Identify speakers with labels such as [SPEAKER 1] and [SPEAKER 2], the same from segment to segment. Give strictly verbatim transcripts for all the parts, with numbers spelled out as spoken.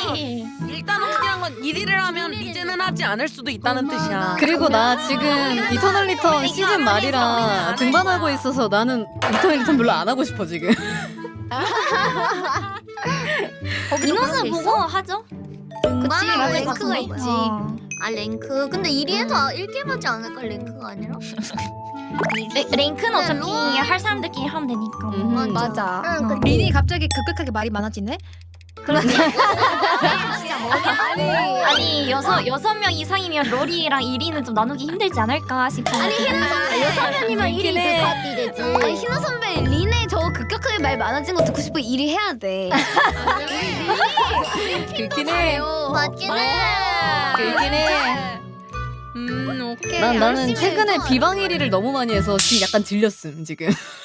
[SPEAKER 1] 일단 확실한 건 일 위를 하면 리제는 하지 않을 수도 있다는 뜻이야.
[SPEAKER 2] 그리고 나 지금 이터널 리턴 시즌 말이라 등반하고 있어서 나는 이터널 리턴 별로 안 하고 싶어 지금.
[SPEAKER 3] 인원수 보고 하죠.
[SPEAKER 4] 등반하고 랭크가
[SPEAKER 3] 그거
[SPEAKER 4] 있지.
[SPEAKER 3] 어.
[SPEAKER 4] 아 랭크. 근데 일 위에도 일 게임 하지 않을까 랭크가 아니라?
[SPEAKER 3] 레, 랭크는
[SPEAKER 4] 근데
[SPEAKER 3] 어차피
[SPEAKER 4] 롤-
[SPEAKER 3] 할 사람들끼리 하면 되니까.
[SPEAKER 2] 음.
[SPEAKER 5] 맞아.
[SPEAKER 4] 응, 그
[SPEAKER 5] 린이 갑자기 급격하게 말이 많아지네?
[SPEAKER 3] 아니 여섯 여섯 명 이상이면 롤이랑 일 위는 좀 나누기 힘들지 않을까 싶어. 아니
[SPEAKER 4] 여섯 명이면 일 위
[SPEAKER 5] 해.
[SPEAKER 4] 그까지 되지.
[SPEAKER 5] 아니 희나 선배 린의 저 급격하게 말 많아진 거 듣고 싶어. 일 위 해야 돼.
[SPEAKER 2] 그렇긴 해.
[SPEAKER 4] 맞긴 해.
[SPEAKER 2] 그렇긴 해.
[SPEAKER 1] 음 오케이.
[SPEAKER 2] 난 나는
[SPEAKER 4] 열심히
[SPEAKER 2] 최근에
[SPEAKER 4] 해서.
[SPEAKER 2] 비방 일 위를 너무 많이 해서 지금 약간 질렸음 지금.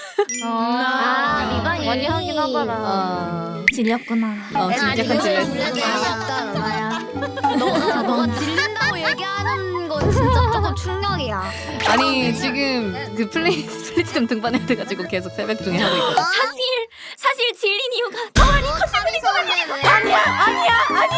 [SPEAKER 3] 아,
[SPEAKER 4] 리방이
[SPEAKER 3] 많이 하긴 하더라.
[SPEAKER 2] 아,
[SPEAKER 3] 질렸구나.
[SPEAKER 2] 어 지금 약간 질렸어.
[SPEAKER 5] 너가 너가 질린다고 얘기하는 건 진짜 조금 충격이야.
[SPEAKER 2] 아니 지금 그 플레이 플레이스템 등반해야 돼가지고 계속 새벽 중에 하고 있거든.
[SPEAKER 3] 사실 사실 질린 이유가
[SPEAKER 4] 카미 선배는 아니야.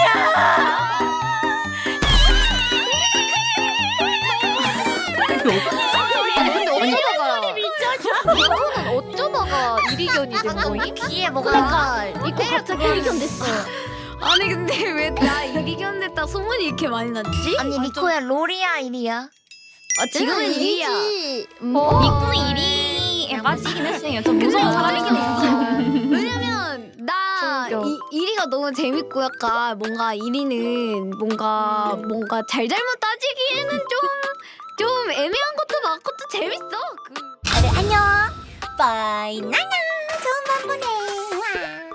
[SPEAKER 5] 근데 어쩌다가 이거는 어쩌다가 이리견이 된 거임?
[SPEAKER 3] 귀에 뭐가
[SPEAKER 4] 그러니까
[SPEAKER 5] 이거 갑자기 이리견 됐어. 아니 근데 왜 나 이리견 됐다 소문이 이렇게 많이 났지?
[SPEAKER 4] 아니 리코야 롤이야 일이야?
[SPEAKER 5] 아, 지금은 일이야.
[SPEAKER 4] 뭐?
[SPEAKER 3] 미쿠는 일 위에 빠지긴 했어요. 좀 무서운 사람이긴 했어.
[SPEAKER 5] 왜냐면 나
[SPEAKER 3] 충격.
[SPEAKER 5] 이, 일위가 너무 재밌고 약간 뭔가 일위는 뭔가 뭔가 잘잘못 따지기에는 좀 좀 애매한 것도 많고 또 재밌어. 그.
[SPEAKER 4] 그래 안녕. 빠이 나나 좋은 밤 보내.